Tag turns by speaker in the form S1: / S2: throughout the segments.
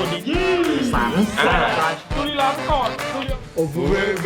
S1: ดีสัน
S2: บุรีรัมย์ก่อน
S1: โอ้โห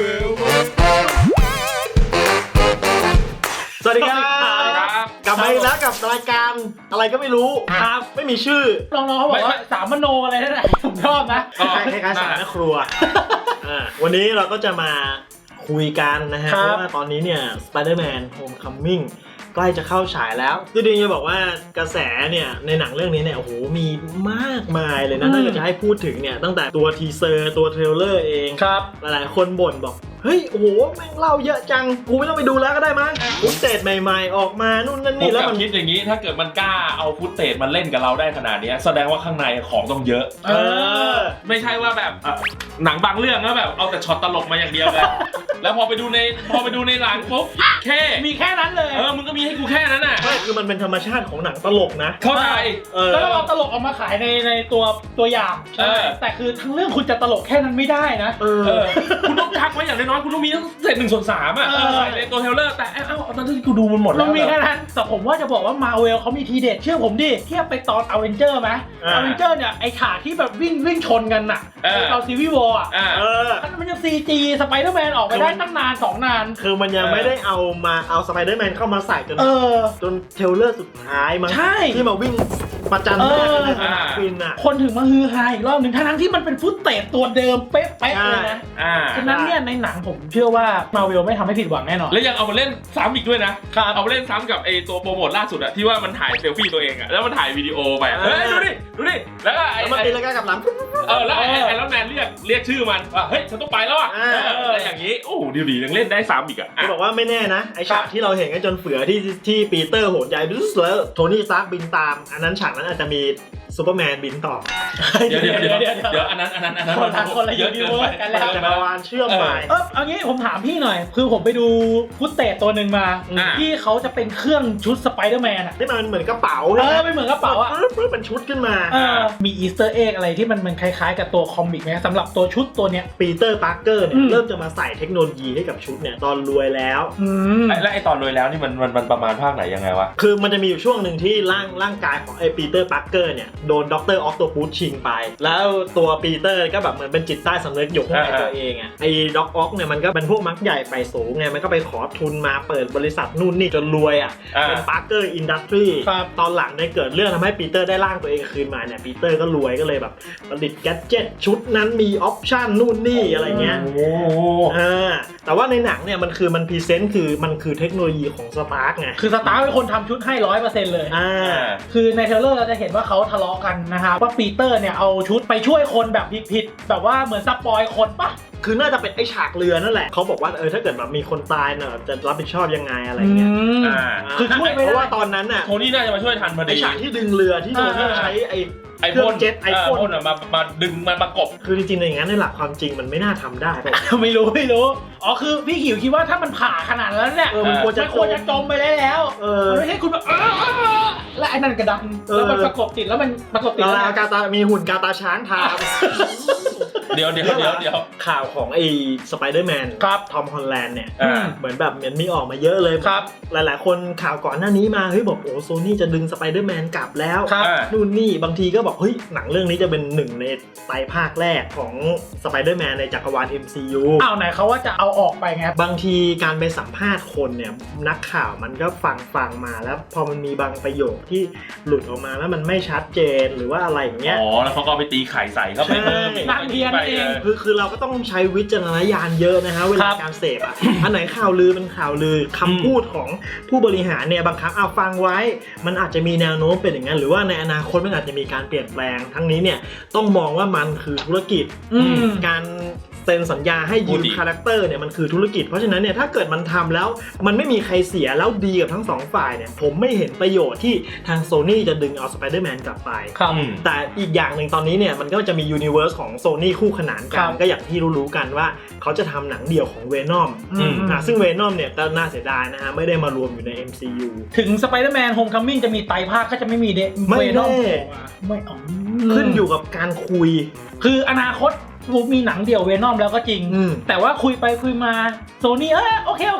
S1: สวัสดีครับกลับมาอีกแล้วกับรายการอะไรก็ไม่รู้ครับไม่มีชื่อ
S2: น้องๆเขาบอกว่าสามมโนอะไรนั่นแหละผมชอบนะ
S1: คล้ายๆสามแม่ครัววันนี้เราก็จะมาคุยกันนะฮะเพราะว่าตอนนี้เนี่ย Spider-Man Homecoming ใกล้จะเข้าฉายแล้วที่ดีจะบอกว่ากระแสเนี่ยในหนังเรื่องนี้เนี่ยโอ้โหมีมากมายเลยนะถ้าจะให้พูดถึงเนี่ยตั้งแต่ตัวทีเซอร์ตัวเทรลเลอร์เอง
S2: ครับ
S1: หลายๆคนบ่นบอกเฮ้ยโอ้โหแม่งเล่าเยอะจังกูไม่ต้องไปดูแล้วก็ได้มั้งฟุตเตจใหม่ๆออกมานู่นนั่นนี่แล้ว
S3: มันคิดอย่างนี้ถ้าเกิดมันกล้าเอาฟุตเตจมาเล่นกับเราได้ขนาดนี้แสดงว่าข้างในของต้องเยอะไม่ใช่ว่าแบบหนังบางเรื่องแล้วแบบเอาแต่ช็อตตลกมาอย่างเดียวเลยแล้วพอไปดูในหลังปุ๊บ
S2: มีแค่นั้นเลย
S3: มึงก็มีให้กูแค่นั้นน่ะ
S1: ไม่คือมันเป็นธรรมชาติของหนังตลกนะ
S3: เข้าใจ
S2: แล้วเราตลกออกมาขายในตัวอย่างแต่คือทั้งเรื่องคุณจะตลกแค่นั้นไม่ได้นะ
S3: คุณต้องกักไว้อย่างน้อยคุณต้องมีตั้งเศษ1/3ใส่ในตัวเทรลเลอร์แต่ตอนที่กูดูมันหมดแล้ว
S2: มีแค่นั้นแต่ผมว่าจะบอกว่ามาเวลเขามีทีเด็ดเชื่อผมดิเทียบไปตอนอเวนเจอร์ไหมอเวนเจอร์เนี่ยไอ้ฉากที่แบบวิ่งชนกันน่ะเอาซีวีวอร์มันยัง CG สไปเดอร์แมนออกไปได้ตั้งนาน2 นาน
S1: คือมันยังไม่ได้เอาสไปเดอร์แมนเข้ามาใส่จนเทรลเลอร์สุดท้ายมั้งที่มาวิ่งประจันหน้ากันฟินอ่ะ
S2: คนถึงมาฮือฮาอีกรอบหนึ่งทั้งที่มันเป็นฟุตเตจตัวเดิมเป๊ะๆเลยนะฉะนั้นเนี่ยในหนังผมเชื่อว่ามาเวลไม่ทำให้ผิดหวังแน่นอน
S3: แล้วยังเอามาเล่นซ้ำอีกด้วยนะเอามาเล่นซ้ำกับไอตัวโปรโมทล่าสุดอะที่ว่ามันถ่ายเซลฟี่ตัวเองอะแล้วมันถ่ายวิดีโอไปเฮ้ยดูดิแล้วก็
S1: มันตีแล้วก็กับหลัง
S3: แล้วไอรอนแมนเรียกชื่อมันว่าเฮ้ยฉันต้องไปแล้วอะอะไรอย่างนี้โอ้ดียังเล่นได้ซ้ำอีกอะ
S1: เขาบอกว่าไม่แน่นะไอฉากที่เราเห็นกันจนเฟือที่ปีเตอร์โหนใหญ่แล้วโทนี่ซาร์กบินตามอันนั้นฉากนั้นอาจจะมีซูเปอร์แมนบินต่อ
S3: เดี๋ยวอันนั้น
S2: คนละเยอะกันแล้ว
S1: จักรวาลเชื่อมไป
S2: เอางี้ผมถามพี่หน่อยคือผมไปดูฟุตเตจตัวหนึ่งมาที่เขาจะเป็นเครื่องชุดสไปเดอร์แมน
S1: ที่มันเหมือนกระเป๋า
S2: ไม่เหมือนกระเป๋า
S1: เป็นชุดขึ้นมา
S2: มีอีสเตอร์เอ็กอะไรที่มันคล้ายๆกับตัวคอมิกไหมสำหรับตัวชุดตัวเนี้ย
S1: ปีเตอร์ปาร์เกอร์เนี่ยเริ่มจะมาใส่เทคโนโลยีให้กับชุดเนี่ยตอนรวยแล้ว
S3: และไอตอนรวยแล้วนี่มันประมาณภาคไหนยังไงวะ
S1: คือมันจะมีอยู่ช่วงหนึ่งที่ร่างกายของไอปีเตอร์ปาร์เกอร์เนี่ยโดนด็อกเตอร์ออคโตปัสชิงไปแล้วตัวปีเตอร์ก็แบบเหมือนเป็นจิตใต้สำนึกอยู่ข้างในตัวเองอ่ะไอ้ด็อกออคเนี่ยมันก็เป็นพวกมักใหญ่ไฟสูงไงมันก็ไปขอทุนมาเปิดบริษัทนู่นนี่จนรวยอ่ะเป็นปาร์เกอร์อินดัสทรีตอนหลังเนี่ยเกิดเรื่องทำให้ปีเตอร์ได้ร่างตัวเองคืนมาเนี่ยปีเตอร์ก็รวยก็เลยแบบผลิตแกดเจ็ตชุดนั้นมีออปชั่นนู่นนี่อะไรเงี้ยแต่ว่าในหนังเนี่ยมันพรีเซนต์คือมันคือเทคโนโลยีของสตาร์กไง
S2: คือสตาร์กเป็นคนทำชุดให้ 100% เลยคือในเทรลเลอร์เราจะเห็นว่าเขาทะเลาะกันนะครับว่าปีเตอร์เนี่ยเอาชุดไปช่วยคนแบบผิดแบบว่าเหมือนสปอยคนปะ
S1: คือน่าจะเป็นไอฉากเรือนั่นแหละเขาบอกว่าถ้าเกิดแบบมีคนตายเนี่ยจะรับผิดชอบยังไงอะไรเงี้ยคือช่วยเพราะว่าตอนนั้นน่ะ
S3: โทนี่น่าจะมาช่วยทันพอดี
S1: ไอฉากที่ดึงเรือที่โทนี่ใช้ไอพ่นเจ็ตไอพ่น
S3: มาดึงมันประกบ
S1: คือจริงๆอย่างนั้นในหลักความจริงมันไม่น่าทำได้
S2: ไม่รู้อ๋อคือพี่หิวคิดว่าถ้ามันผ่าขนาดนั้นเนี่ยมันควรจะจมไปแล้วไม่ใช่คุณแบบและไอ้นั่นกระดังแล้วมันประกบติดแล้วมันประกบติด
S1: แล้วกาตามีหุ่นกาตาช้างทาม
S3: เดี๋ยว
S1: ข่าวของไอ้สไปเดอร์แมนทอมฮอลแลนด์เนี่ยเหมือนแบบมีออกมาเยอะเลย
S2: ครับ
S1: หลายๆคนข่าวก่อนหน้านี้มาเฮ้ยบอกโอ้โซนี่จะดึงสไปเดอร์แมนกลับแล้วนู่นนี่บางทีก็บอกเฮ้ยหนังเรื่องนี้จะเป็นหนึ่งในไตรภาคแรกของสไปเดอร์แมนในจักรวาล MCU
S2: ไหนเขาว่าจะเอาออกไปไง
S1: บางทีการไปสัมภาษณ์คนเนี่ยนักข่าวมันก็ฟังมาแล้วพอมันมีบางประโยคที่หลุดออกมาแล้วมันไม่ชัดเจนหรือว่าอะไรอย่างเงี้ย
S3: แล้วเขาก็ไปตีไข่ใส่เข้าไป
S2: นั่งเทียนเอง
S1: คือเราก็ต้องใช้วิจารณญาณเยอะนะฮะเวลาการเสพอันไหนข่าวลือเป็นข่าวลือคำพูดของผู้บริหารเนี่ยบางครั้งฟังไว้มันอาจจะมีแนวโน้มเป็นอย่างนั้นหรือว่าในอนาคตมันอาจจะมีการเปลี่ยนแปลงทั้งนี้เนี่ยต้องมองว่ามันคือธุรกิจการเซ็นสัญญาให้ยืมคาแรคเตอร์เนี่ยมันคือธุรกิจเพราะฉะนั้นเนี่ยถ้าเกิดมันทำแล้วมันไม่มีใครเสียแล้วดีกับทั้งสองฝ่ายเนี่ยผมไม่เห็นประโยชน์ที่ทางโซนี่จะดึงเอาสไปเดอร์แมนกลับไปแต่อีกอย่างหนึ่งตอนนี้เนี่ยมันก็จะมียูนิเวอร์สของโซนี่คู่ขนานกันก็อย่างที่รู้กันว่าเขาจะทำหนังเดี่ยวของเวนอมซึ่งเวนอมเนี่ยก็น่าเสียดายนะฮะไม่ได้มารวมอยู่ใน MCU
S2: ถึงสไปเดอร์แมนโฮมคัมมิ่งจะมีไตรภาคก็จะไม่มีเวนอมไม่
S1: ขึ้นอยู่กับการคุย
S2: คืออนาคตมีหนังเดี่ยวเวนอมแล้วก็จริงแต่ว่าคุยไปคุยมาโซนี่โอเค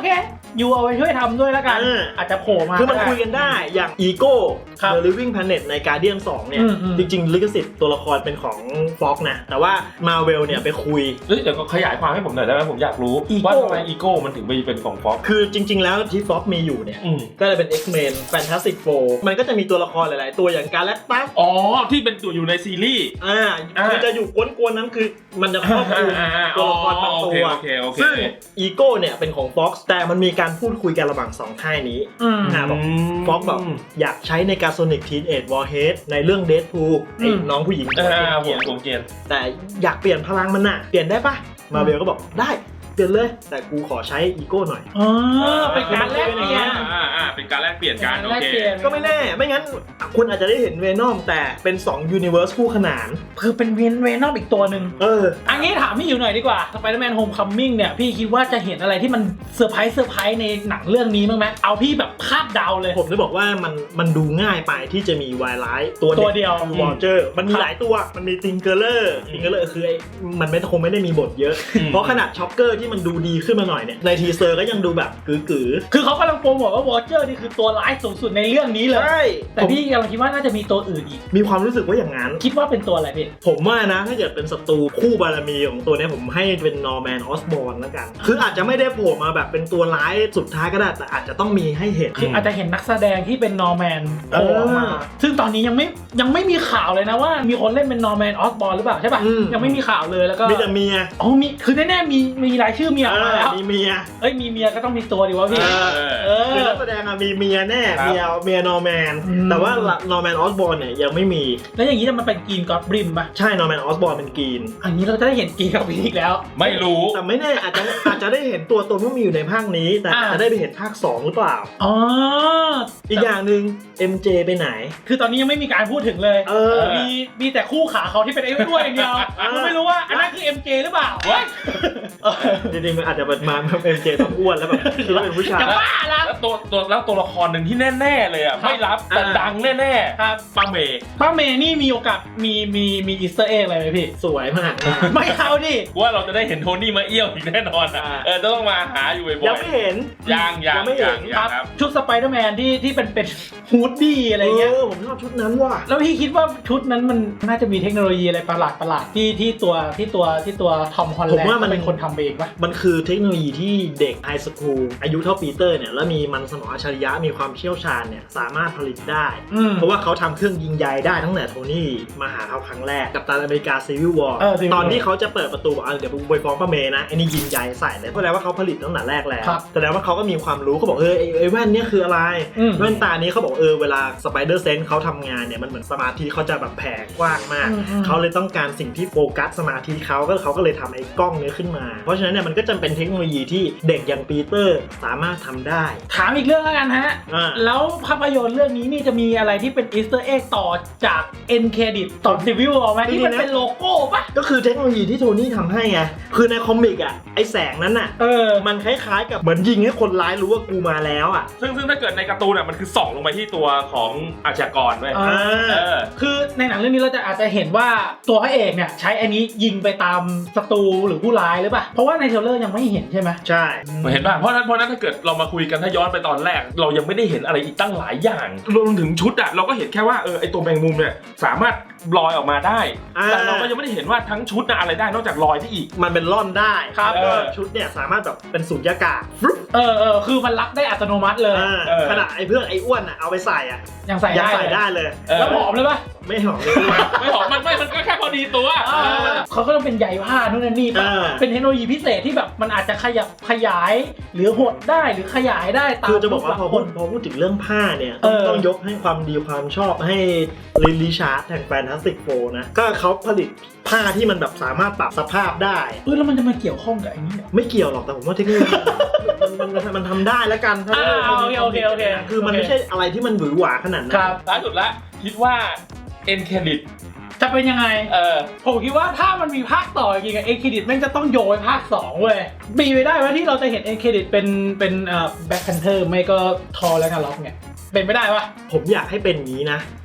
S2: ยูเอาไปช่วยทำด้วยแล้วกัน อาจจะโผล่มา
S1: คือมันคุยกันได้อย่างอีโก้
S2: ครับ
S1: The Living Planet ใน Guardian 2 เนี่ย จริงๆลิขสิทธิ์ตัวละครเป็นของ Fox นะแต่ว่า Marvel เนี่ยไปคุย
S3: เดี๋ยวก็ขยายความให้ผมหน่อยได้ไหมผมอยากรู้ว่าทำไมอีโก้มันถึงไปเป็นของฟ็อก
S1: คือจริงๆแล้วที่ Fox มีอยู่เนี่ยก็เลยเป็น X-Men Fantastic Four มันก็จะมีตัวละครหลายๆตัวอย่าง Galactus
S3: อ๋อที่เป็นตัวอยู่ในซีรีส์
S1: คือจะอยู่กวนๆนั้นคือมันจะครอบคลุมตัวละครบางตัวซึ่งอีโก้เนี่ยเป็นของ Fox แต่มันมีการพูดคุยกันระหว่าง2ค่ายนี้บอก Fox แบบอยากใช้ในการ Sonic Teenage Warhead ในเรื่อง Deadpool ไอ้น้องผู้หญิง
S3: ผมเกลียด
S1: แต่อยากเปลี่ยนพลังมันน่ะเปลี่ยนได้ปะมาเบลก็บอกได้เปลี่ยนเลยแต่กูขอใช้อีโก้หน่อย
S2: เป็นการแลกเปลี่ยน
S3: เป็นการแลกเปลี่ยนกันโอเค
S1: ก็ไม่แน่ไม่งั้นคุณอาจจะได้เห็นเวนอมแต่เป็น2 Universe คู่ขนาน
S2: คือเป็นเวนอมอีกตัวหนึ่งอันนี้ถามพี่อยู่หน่อยดีกว่า Spider-Man Homecoming เนี่ยพี่คิดว่าจะเห็นอะไรที่มันเซอร์ไพรส์ในหนังเรื่องนี้บ้างไหมเอาพี่แบบคาดเดาเลย
S1: ผมจะบอกว่ามันดูง่ายไปที่จะมีวายไลท์
S2: ตัวเดียว
S1: วอลเจอร์มันมีหลายตัวมันมีติงเกอร์เลอร์คือมันคงไม่ได้มีบทเยอะเพราะขนาดช็อกเกอร์ที่มันดูดีขึ้นมาหน่อยเนี่ยในทีเซอร์ก็ยังดูแบบกือ
S2: คือเขากำลังโปรโมทว่าวอเจอร์นี่คือตัวร้ายสูงสุดในเรื่องนี้เลยใช่แต่พี่กำลังคิดว่าน่าจะมีตัวอื่นอีก
S1: มีความรู้สึกว่าอย่างนั้น
S2: คิดว่าเป็นตัวอะไรพี่
S1: ผมว่านะถ้าเกิดเป็นศัตรูคู่บารมีของตัวนี้ผมให้เป็นนอร์แมนออสบอร์นแล้วกันคืออาจจะไม่ได้โผล่มาแบบเป็นตัวร้ายสุดท้ายก็ได้แต่อาจจะต้องมีให้เห็น
S2: คืออาจจะเห็นนักแสดงที่เป็นนอร์แมนโผล่มาซึ่งตอนนี้ยังไม่มีข่าวเลยนะว่ามีคนเล่นเป็นนอร์แมนออสบอร์นหรือเปล่าใช่ป่ะยังไม่มีข่าวเลยแล้วก็
S1: มีแต่เมีย
S2: มีคือแน่ๆมีรายชื่อเมียมาแล้ว
S1: มีเมีย
S2: มีเมียก็ต้องมีตัวดิวะพี่
S1: คือนักแสดงมีเมียแน่เมียนอร์แมนแต่ว่านอร์แมนออสบอร์นเนี่ยยังไม่มี
S2: แล้วอย่างนี้จะมันเป็นกรีนก็อดบริมป่ะ
S1: ใช่นอร์แมนออสบอร์นเป็นกรีน
S2: อันนี้เราจะได้เห็นกรีนกับอีกแล้ว
S3: ไม่รู้
S1: แต่ไม่แน่อาจจะได้เห็นตัวตนว่ามีอยู่ในภาคนี้แต่อาจจะได้ไปเห็นภาค2หรือเปล่าอีกอย่างนึง MJ ไปไหน
S2: คือตอนนี้ยังไม่มีการพูดถึงเลยมีแต่คู่ขาเขาที่เป็นไอ้ด้วยอย่างเดียวไม่รู้ว่าอันนั้นคือ MJ หรือเปล่า
S1: จริงๆมันอาจจะมาMJ ต้องอ้วนแล้วแบบคือเป็นผู้ชาย
S2: จะบ้าแล้ว
S3: ตัวละครหนึ่งที่แน่ๆเลยอ่ะไม่รับแต่ดังแน่ๆครับป้าเมย์
S2: นี่มีโอกาสมีอีสเตอร์เอ็กอะไรไหมพี่
S1: สวยมาก
S2: ไม่เอาดิ
S3: ว่าเราจะได้เห็นโทนี่มาเอี้ยวอีกแน่นอนต้องมาหาอยู่บ่อยๆ
S1: ยังไม่เห็น
S3: ยังไม่เห็น
S2: ครับชุดสไปเดอร์แมนที่เป็นฮูดดี้อะไรเงี้ย
S1: ผมชอบชุดนั้นว่ะ
S2: แล้วพี่คิดว่าชุดนั้นมันน่าจะมีเทคโนโลยีอะไรประหลาดที่ตัวทอมฮอลแลนด์ผมว่ามันเป็นคนทำเองปะ
S1: มันคือเทคโนโลยีที่เด็กไฮสคูลอายุเท่าปีเตอร์เนี่ยแล้วมีมันสมองอัจฉริยะมีความเชี่ยวชาญเนี่ยสามารถผลิตได้เพราะว่าเขาทำเครื่องยิงใยได้ตั้งแต่โทนี่มาหาเขาครั้งแรกกับตันอเมริกาซีวิลวอร์ตอนที่เขาจะเปิดประตูบอกเดี๋ยวไปฟ้องป้าเมย์นะไอ้นี่ยิงใยใส่เลยแสดงว่าเขาผลิตตั้งแต่แรกแล้วแสดงว่าเขาก็มีความรู้เขาบอกไอ้แว่นเนี่ยคืออะไรแว่นตานี้เขาบอกเวลาสไปเดอร์เซนส์เขาทำงานเนี่ยมันเหมือนสมาธิเขาจะแบบแผ่กว้างมากเขาเลยต้องการสิ่งที่โฟกัสสมาธิเขาก็เลยทำไอ้กล้องนี้ขึ้นมาเพราะฉะนั้นเนี่ยมันก็จะเป็นเทคโนโลยีที่เด็กอย่างปีเตอร์สามารถทำได้
S2: ถามอีกเรื่องแล้วกันฮะแล้วภาพยนตร์เรื่องนี้นี่จะมีอะไรที่เป็นอีสเตอร์เอ็กต่อจากเอ็นเครดิตต่อซีวิวออกไหมที่มันเป็นโลโก้ปะ
S1: ก็คือเทคโนโลยีที่โทนี่ทำให้ไงคือในคอมิกอ่ะไอแสงนั้นอ่ะมันคล้ายๆกับเหมือนยิงให้คนร้ายรู้ว่ากูมาแล้วอ่ะ
S3: ซึ่งถ้าเกิดในการ์ตูนอ่ะมันคือส่องลงไปที่ตัวของอาชญากรด้วย
S2: คือในหนังเรื่องนี้เราอาจจะเห็นว่าตัวพระเอกเนี่ยใช้อันนี้ยิงไปตามศัตรูหรือผู้ร้ายหรือเปล่าเพราะว่าในเทรลเลอร์ยังไม่เห็นใช่ไหม
S1: ใช่
S3: เห็นป่ะเพราะนั้นถ้าเกิดเรามาคุยกันถ้าย้อนไปตอนแรกเรายังไม่ได้เห็นอะไรอีกตั้งหลายอย่างรวมถึงชุดอ่ะเราก็เห็นแค่ว่าไอตัวแมงมุมเนี่ยสามารถลอยออกมาได้แต่เราก็ยังไม่ได้เห็นว่าทั้งชุดน่ะอะไรได้นอกจากลอยที่อีก
S1: มันเป็นล่อนได้ครับชุดเนี่ยสามารถแบบเป็นสุญญากาศ
S2: คือมันรับได้อัตโนมัติเลย
S1: ขนาดไอ้เพื่อนไอ้อ้วนอ่ะเอาไปใส่อ่ะ
S2: ยังใส่
S1: ได้เลย
S2: แล้วหอมเลยปะ
S1: ไม่หอมเลย
S3: ไม่หอมมันก็แค่พอดีตัว
S2: เขาก็ต้องเป็นใยผ้านู่นนี่ป่ะเป็นเทคโนโลยีพิเศษที่แบบมันอาจจะขยายหรือหดได้หรือขยายได้ตาม
S1: คือจะบอกว่าพอพูดถึงเรื่องผ้าเนี่ยต้องยกให้ความดีความชอบให้ลินลิชาร์ดแห่งแฟนตาสติกโฟร์นะก็เขาผลิตผ้าที่มันแบบสามารถปรับสภาพได้
S2: แล้วมันจะมาเกี่ยวข้องกับไอ้นี่
S1: ไม่เกี่ยวหรอกแต่ผมว่าเทคโนโลยีมันทำได้แล้วกัน
S2: โอเค
S1: คือมันไม่ใช่อะไรที่มันหวือหวาขนาดนั้น
S3: ครับล่าสุดละคิดว่าเอ็นเครดิต
S2: จะเป็นยังไงผมคิดว่าถ้ามันมีภาคต่อจริงๆเอ็นเครดิตแม่งจะต้องโยนภาค2เว้ยมีไปได้ว่าที่เราจะเห็นเอ็นเครดิตเป็นแบ็คแพนเทอร์ไม่ก็ทอร์และนาล็อกเนี่ยเป็นไม่ได้ปะ
S1: ผมอยากให้เป็นอย่างนี้นะ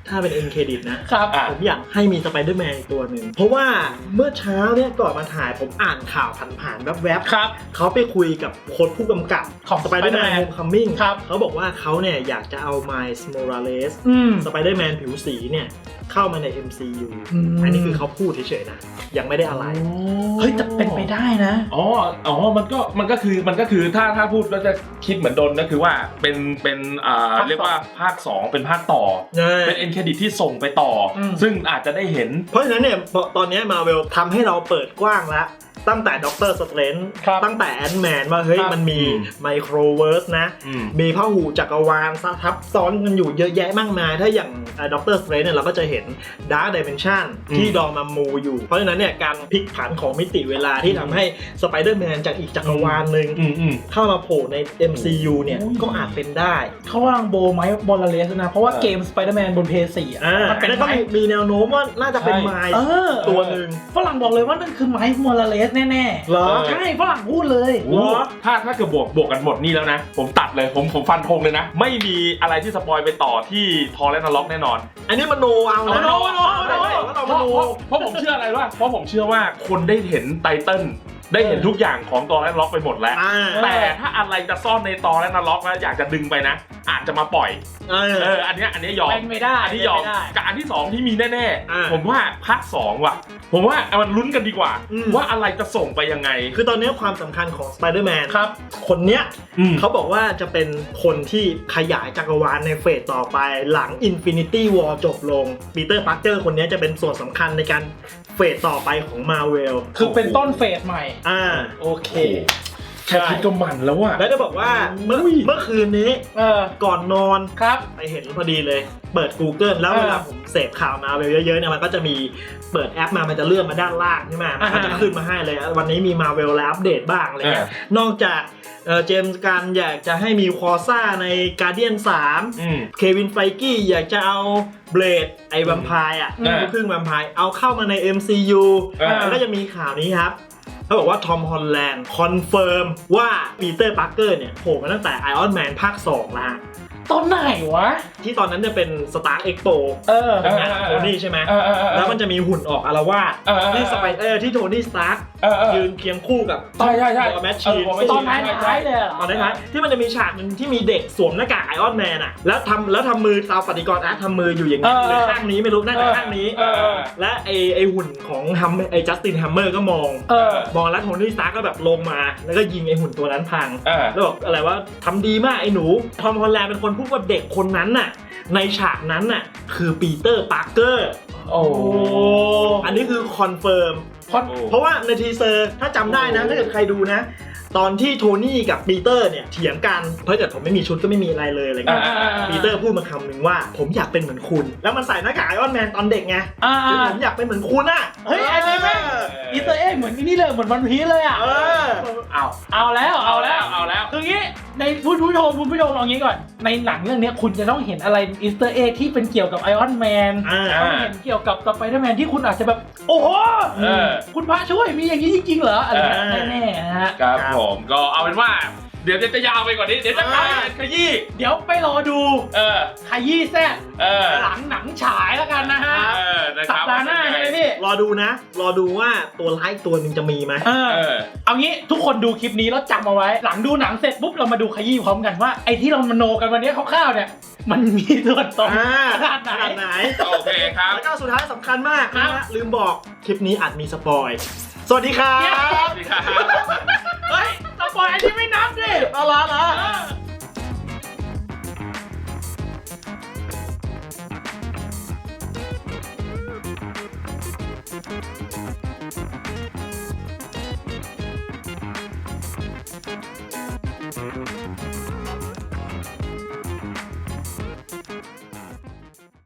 S1: ถ้าเป็น end credit นะครับ
S3: อ่ะ
S1: ผมอยากให้มีสไปเดอร์แมนอีกตัวหนึ่งเพราะว่าเมื่อเช้าเนี่ยก่อนมาถ่ายผมอ่านข่าวผ่านๆแวบ
S2: ครับ
S1: ๆเขาไปคุยกับโค้ชผู้กำกับ
S2: ของ
S1: สไปเดอร์แมน
S2: Spider-Man
S1: โฮมคัมมิ่ง
S2: ครับ
S1: เขาบอกว่าเขาเนี่ยอยากจะเอา Miles Morales
S2: อืม
S1: สไปเดอร์แมนผิวสีเนี่ยเข้ามาใน MCU
S2: อืม
S1: อันนี้คือเขาพูดเฉยๆนะยังไม่ได้อะไร
S2: เฮ้ยแต่เป็นไปได้นะ
S3: อ๋อมันก็คือถ้าพูดแล้วจะคิดเหมือนโดนก็คือว่าเป็น
S2: ภาคสอง
S3: เรียกว่าภาค 2 เป็นภาคต่อ เป็นเอ็นเครดิตที่ส่งไปต่ออ
S2: ม
S3: ซึ่งอาจจะได้เห็น
S1: เพราะฉะนั้นเนี่ยตอนนี้มาเวลทำให้เราเปิดกว้างแล้วตั้งแต่ด็อกเตอร์สเตรนจ์
S2: ครับ
S1: ตั้งแต่แอนด์แมนว่าเฮ้ย
S2: ครับ
S1: มันมี
S3: อืม
S1: ไมโครเวิร์สนะ
S3: อืม
S1: มีพหูจักรวาลทับซ้อนกันอยู่เยอะแยะมากมาย ถ้าอย่างด็อกเตอร์สเตรนจ์เนี่ยเราก็จะเห็นดาร์ d ดิเมนชันที่ดอมามูอยู่ เพราะฉะนั้นเนี่ยการพลิกผันของมิติเวลาที่ทำให้สไปเดอร์แมนจากอีกจักรวาลหนึ่ง
S3: อืม
S1: เข้ามาโผล่ใน MCU เนี่ย
S2: โอ้ย
S1: ก็อาจเป็นได้
S2: เขาวางโบไม้บอลเลสนะ เพราะว่าเกม Spider-Man บน PS4 มันเป็น
S1: แล้วก็
S2: ไม้
S1: มีแนวโน้มว่าน่าจะเป็นไมล์ ตัวหนึ่ง
S2: ฝรั่งบอกเลยว่านั่นคือไม้บอลเลสแน่ๆ
S1: เหรอ
S2: ใช่ฝรั่งพูดเลย
S3: โอ้ถ้าเกิดบวกกันหมดนี่แล้วนะ ผมตัดเลยผมฟันธงเลยนะ ไม่มีอะไรที่สปอยไปต่อที่ทอร์เรนต์ล็อกแน่นอน
S1: อันนี้มโนเอานะ
S2: มโน
S3: เพราะผมเชื่ออะไรว่าเพราะผมเชื่อว่าคนได้เห็นไตเติ้ลได้เห็นทุกอย่างของตอร์เรนต์ล็อกไปหมดแล้ว แต่ถ้าอะไรจะซ่อนในตอร์เรนต์ล็อกนะอยากจะดึงไปนะ อาจจะมาปล่อยอันเนี้ยยอม
S2: เป็นไม่ได้
S3: อันนี้ยอม
S2: เป็นไม่ได้
S3: กับอันที่ 2 ที่มีแน่
S1: อ่า
S3: ๆผมว่าภาค 2 ว่ะ ผมว่ามันลุ้นกันดีกว่า
S1: อืม
S3: ว่าอะไรจะส่งไปยังไง
S1: คือตอนนี้ความสำคัญของ Spider-Man
S2: ครับ
S1: คนเนี้ย
S3: อืม
S1: เขาบอกว่าจะเป็นคนที่ขยายจักรวาลในเฟสต่อไปหลัง Infinity War จบลงปีเตอร์พาร์เกอร์คนนี้จะเป็นส่วนสำคัญในการเฟสต่อไปของ Marvel
S2: คือเป็นต้นเฟสใหม่
S1: โอเค
S3: แค่คิดก็มันแล้วว่ะ
S1: แล้วจะบอกว่าเมื่อคืนนี้ ก่อนนอน
S2: ครับ
S1: ไปเห็นพอดีเลย เปิด Google แล้วเวลาผมเสพข่าวมาเยอะๆเนี่ยมันก็จะมีเปิดแอปมามันจะเลื่อนมาด้านล่างใช่ไหมมันก็จะขึ้นมาให้เลย วันนี้มี Marvel แล้วอัปเดตบ้างอะไรเงี้ยนอกจากเจมส์การอยากจะให้มีควอซ่าใน Guardian 3 เควินไฟกี้อยากจะเอาเบลดไอ้แวมไพร์อ่ะลูกครึ่งแวมไพร์เอาเข้ามาใน MCU แล้วก็จะมีข่าวนี้ครับเขาบอกว่าทอมฮอลแลนด์คอนเฟิร์มว่าปีเตอร์ปาร์เกอร์เนี่ยโผล่มาตั้งแต่ Iron Man ภาค 2 แล้ว
S2: ตอนไหนวะ
S1: ที่ตอนนั้นเนี่ยเป็น Stark Expo เป็นงานโทนี่ใช่ไหมแล้วมันจะมีหุ่นออกอารวาสที่สไปที่โทนี่สตาร์คยืนเคียงคู่กับ
S3: ใช่
S1: แมชชีน
S2: ตอนท้ายเลยเหรอ
S1: ตอนท้ายที่มันจะมีฉากหนึงที่มีเด็กสวมหน้ากากไอออนแมนอ่ะแล้วทำมือตามปฏิกรณ์อาร์ตทำมืออยู่อย่างนี้หรือข้างนี้ไม่รู้น่าจะข้างนี้และไอหุ่นของไอจัสตินแฮมเมอร์ก็มองแล้วโทนี่สตาร์คก็แบบลงมาแล้วก็ยิงไอหุ่นตัวนั้นพังแล้วบอกอะไรว่าทำดีมากไอหนูทอมฮอลแลนด์เป็นคนพูดว่าเด็กคนนั้นน่ะในฉากนั้นน่ะคือปีเตอร์ปาร์เกอร์
S3: โอ้
S1: อันนี้คือคอนเฟิร์มเพราะว่าในทีเซอร์ถ้าจำได้นะถ้าเกิดใครดูนะ ตอนที่โทนี่กับปีเตอร์เนี่ยเถียงกันเพราะเกิดผมไม่มีชุดก็ไม่มีอะไรเลยอะไรเงี้ยปีเตอร์พูดมาคำหนึ่งว่าผมอยากเป็นเหมือนคุณแล้วมันใส่หน้ากากไอออนแมนตอนเด็กไงผมอยากเป็นเหมือนคุณอ่ะ
S2: เฮ้ยอันนี้แม่งอีสเตอร์เอ็กเหมือนนี่เลยเหมือนวันพีซเลยอ่ะเอาแล้วคืองี้ในคุณผู้ชมเอางี้ก่อนในหนังเรื่องนี้คุณจะต้องเห็นอะไรอีสเตอร์เอ็กที่เป็นเกี่ยวกับไอออนแมนต้องเห็นเกี่ยวกับสไปเดอร์แมนที่คุณอาจจะแบบโอ้โหคุณพระช่วยมีอย่างนี้จริงๆเหรออะไรแน่ๆนะฮะ
S3: ครับผมก็เอาเป็นว่าเดี๋ยวจะยาวไปกว่านี้เดี๋ยวจะกลายเป็นขยี้
S2: เดี๋ยวไปรอดูขยี้แซ่บหลังหนังฉายแล้วกันนะฮะสัปดาห์หน้าใช่ไหมพี่
S1: รอดูว่าตัวร้ายตัวหนึ่งจะมีไหม
S2: เอางี้ทุกคนดูคลิปนี้แล้วจำเอาไว้หลังดูหนังเสร็จปุ๊บเรามาดูขยี้พร้อมกันว่าไอ้ที่เรามโนกันวันนี้คร่าวๆเนี่ยมันมีส่วนตรงขนาดไหน
S3: โอเคครับ
S1: แล้วก็สุดท้ายสำคัญมากนะลืมบอกคลิปนี้อาจมีสปอยสวัสดีครับ
S2: เฮ้ยสปอยอันนี้ไม่นับดิ
S1: อะไร